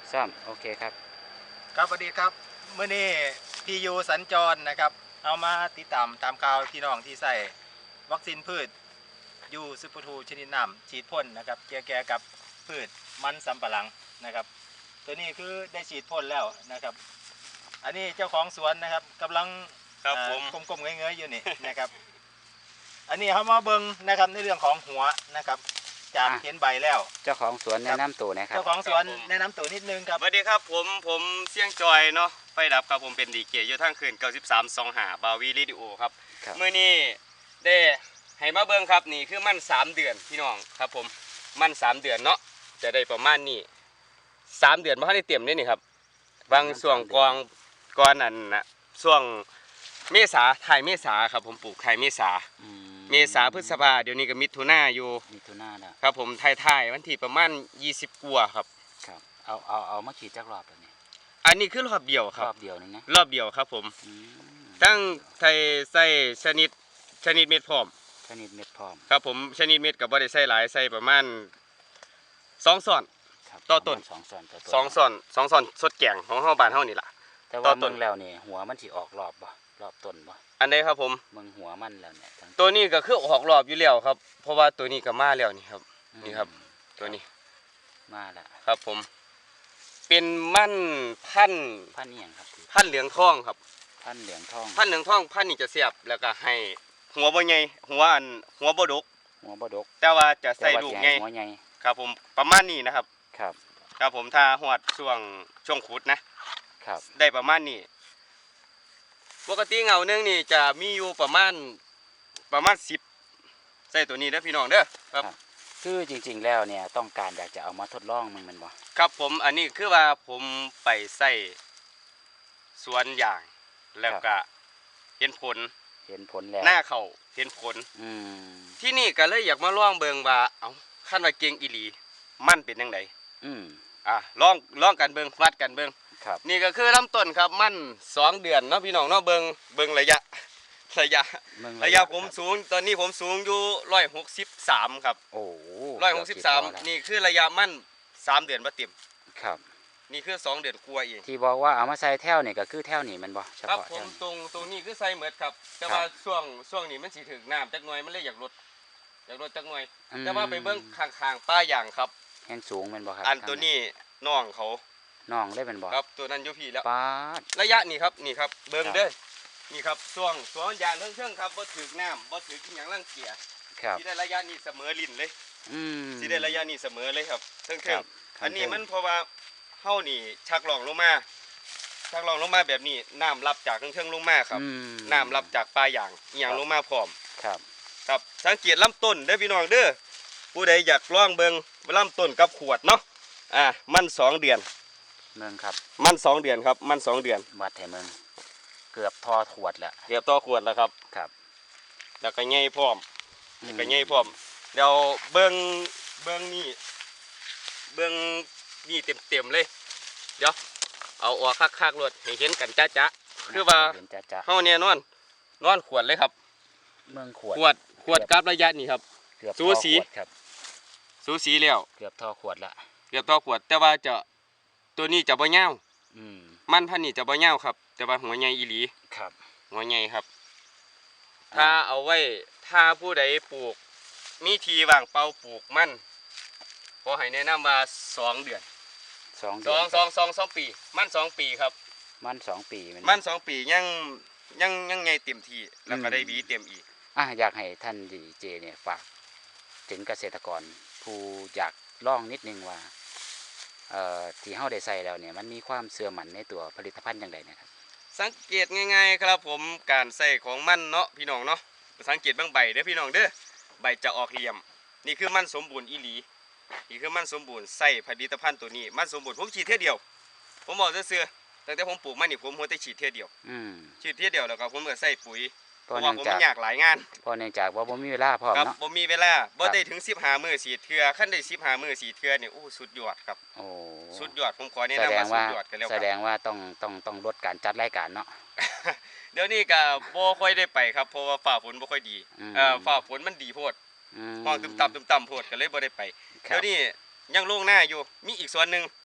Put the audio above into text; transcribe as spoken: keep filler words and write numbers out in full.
ซ้ำโอเคครับครับสวัสดีครับเมื่อนี้พียูสัญจรนะครับเอามาติดตามตามข่าวพี่น้องที่ใส่วัคซีนพืชยูซูเปอร์ทูชนิดน้ำฉีดพ่นนะครับเกี่ยวกับพืชมันสำปะหลังนะครับตัวนี้คือได้ฉีดพ่นแล้วนะครับอันนี้เจ้าของสวนนะครับกำลังครับผมก้มๆเงยๆอยู่นี่นะครับอันนี้เขามาเบิ้งนะครับในเรื่องของหัวนะครับจากเห็นใบแล้วเจ้าของสวนแนะนำตัวนะครับเจ้าของสวนแนะนำตัวนิดนึงครับสวัสดีครับผมผมเสี่ยงจอยเนาะไฟดับครับผมเป็นดีเกอยู่ทั้งคืนเก้าสิบสามสองหาบาวีรีดิโอครับเมื่อนี้ได้ให้มาเบิ่งครับนี่คือมันสามเดือนพี่น้องครับผมมันสามเดือนเนาะจะได้ประมาณนี้สามเดือนมาให้ได้เตรียมนี่นี่ครับบางส่วงกองก้อนอันนะช่วงเมษาไทยเมษาครับผมปลูกไทยเมษาเมษาพฤษภาเดี๋ยวนี้ก็มิถุนาอยู่มิถุนาแล้วครับผมไทยไทยวันที่ประมาณยี่สิบกว่าครับครับเอาเอาเอามาขีดจักรอบแบบนี้อันนี้คือรอบเดียวครับรอบเดียวนี่นะรอบเดียวครับผมตั้งไทยใส่ชนิดชนิดเม็ดพร้อมชนิดเม็ดพร้อมครับผมชนิดเม็ดกับบ่ได้ใส่หลายใส่ประมาณสองส่วนต่อต้นสองส่วนต่อต้นสองส่วนสองส่วนสดแกงของเฮาบ้านเฮานี่ล่ะแต่ว่าเมืองแล้วนี่หัวมันสิออกรอบบ่รอบต้นบ่อันใดครับผมเมืองหัวมันแล้วเนี่ยตัวนี้ก็คือออกรอบอยู่แล้วครับเพราะว่าตัวนี้ก็มาแล้วนี่ครับนี่ครับตัวนี้มาแล้วครับผมเป็นมันพันพันอีหยังครับพันเหลืองทองครับพันเหลืองทองพันเหลืองทองพันนี่จะเสียบแล้วก็ให้หัวบ่ใหญ่หัวอันหัวบ่ดกหัวบ่ดกแต่ว่าจะใส่ลูกใหญ่หัวใหญ่ครับผมประมาณนี้นะครับครับครับผมถ้าหอดช่วงช่วงขุดนะครับได้ประมาณนี้ปกติเงาเนื่องนี่จะมีอยู่ประมาณประมาณสิบใส่ตัวนี้เด้อพี่น้องเด้อครับคือจริงๆแล้วเนี่ยต้องการอยากจะเอามาทดลองมันมันบ่ครับผมอันนี้คือว่าผมไปใส่สวนอย่างแล้วก็เห็นผลเห็นผลแล้วหน้าเขาเห็นผลที่นี่ก็เลยอยากมาลองเบิ่งว่าเอาขั้นว่าเก่งอีหลีมันเป็นยังไงอืมอ่ะลองลองกันเบิ่งวัดกันเบิ่งนี่ก็คือลำต้นครับมันสองเดือนเนาะพี่น้องเนาะเบิ่งเบิ่งระยะระยะระยะผมสูงตอนนี้ผมสูงอยู่ร้อยหกสิบสามครับโอ้ร้อยหกสิบสามนี่คือระยะมันสามเดือนมาเต็มครับนี่คือสองเดือนกลัวเองที่บอกว่าเอามาใส่แถวนี่ก็คือแถวนี่มันบ่เฉพาะครับผมตรงตรงนี้คือใส่เหมือดครับแต่ว่าช่วงช่วงนี้มันสิถึงน้ำจักหน่อยมันเลยอยากลดอยากลดจักหน่อยแต่ว่าไปเบิ่งข้างๆป้าอย่างครับแห้งสูงมันบ่ครับอันตัวนี้น้องเขาน้องได้เป็นบ่ครับตัวนั้นอยู่พี่แล้วป้าระยะนี่ครับนี่ครับเบิ่งเด้อนี่ครับช่วงช่วงยางเรื่องๆครับบ่ถึกน้ำบ่ถึกอีหยังรังเกียจที่ได้ระยะนี้เสมอลิ้นเลยอืมที่ได้ระยะนี้เสมอเลยครับเทิงๆอันนี้มันเพราะว่าเฮานี่ชักหลองลงมาชักหลองลงมาแบบนี้น้ำรับจากเทิงๆลงมาครับน้ำรับจากปลายางอีหยังลงมาพร้อมครับครับสังเกตลำต้นเด้อพี่น้องเด้อผู้ใดอยากลองเบิ่งลำต้นกับขวดเนาะอ่ามันสองเดือนเมืองครับมันสองเดือนครับมันสองเดือนวัดแถเมืองเกือบทอขวดแล้วเกือบทอขวดแล้วครับครับแล้วก็ใหญ่พร้อมแล้วก็ใหญ่พร้อมเดี๋ยวเบิ่งเบิ่งนี่เบิ่งนี่เต็มๆเลยเดี๋ยวเอาออกคักๆรถให้เห็นกันจ๊ะๆคือว่าเฮาเนี่ยนอนนอนขวดเลยครับเมืองขวดขวดขวดกับระยะนี่ครับสูสีครับสูสีแล้วเกือบทอขวดละเกือบทอขวดแต่ว่าจะตัวนี้จะบ่ยาวมันพันนี่จะบ่ยาวครับแต่ว่าหัวใหญ่อีหลีครับหัวใหญ่ครับถ้าเอาไว้ถ้าผู้ใดปลูกมีทีว่างเปล่าปลูกมันขอให้แนะนำว่าสองเดือนสองสองสองสองสองปีมันสองปีครับมันสองปีมันสองปียังยังยังไงเต็มที่แล้วก็ได้วีเต็มอีกอ่ะอยากให้ท่านดีเจเนี่ยฝากถึงเกษตรกรผู้อยากลองนิดนึงว่าเอ่อที่เฮาได้ใส่แล้วเนี่ยมันมีความเสื่อมมันในตัวผลิตภัณฑ์อย่างไรนะครับสังเกตง่ายๆครับผมการใส่ของมันเนาะพี่น้องเนาะสังเกตบางใบเด้อพี่น้องเด้อใบจะออกเหลี่ยมนี่คือมันสมบูรณ์อีหลีนี่คือมันสมบูรณ์ใส่ผลิตภัณฑ์ตัวนี้มันสมบูรณ์ผมฉีดเท่าเดียวผมบอกเสื่อๆตั้งแต่ผมปลูกมันนี่ผมหัวแต่ฉีดเท่าเดียวฉีดเท่าเดียวแล้วก็ผมก็ใส่ปุ๋ยเพราะว่าผมอยากหลายงานเพราะเนื่องจากว่าผมมีเวลาพอเนาะผมมีเวลาบ่ได้ถึงสิบห้ามื้อสีเทื่อขั้นได้สิบห้ามื้อสีเทื่อนี่โอ้สุดยอดครับโอ้สุดยอดผมขอแนะนำว่าสุดยอดกันแล้วแสดงว่าต้องต้องต้องลดการจัดรายการเนาะเดี๋ยวนี้ก็บ่ค่อยได้ไปครับเพราะว่าฟ้าฝนบ่ค่อยดีเอ่อฟ้าฝนมันดีโพดห้องตึมต่ำตึมต่ำโพดก็เลยบ่ได้ไปเดี๋ยวนี้ยังโล่งหน้าอยู่มีอีกส่วนหนึ่ง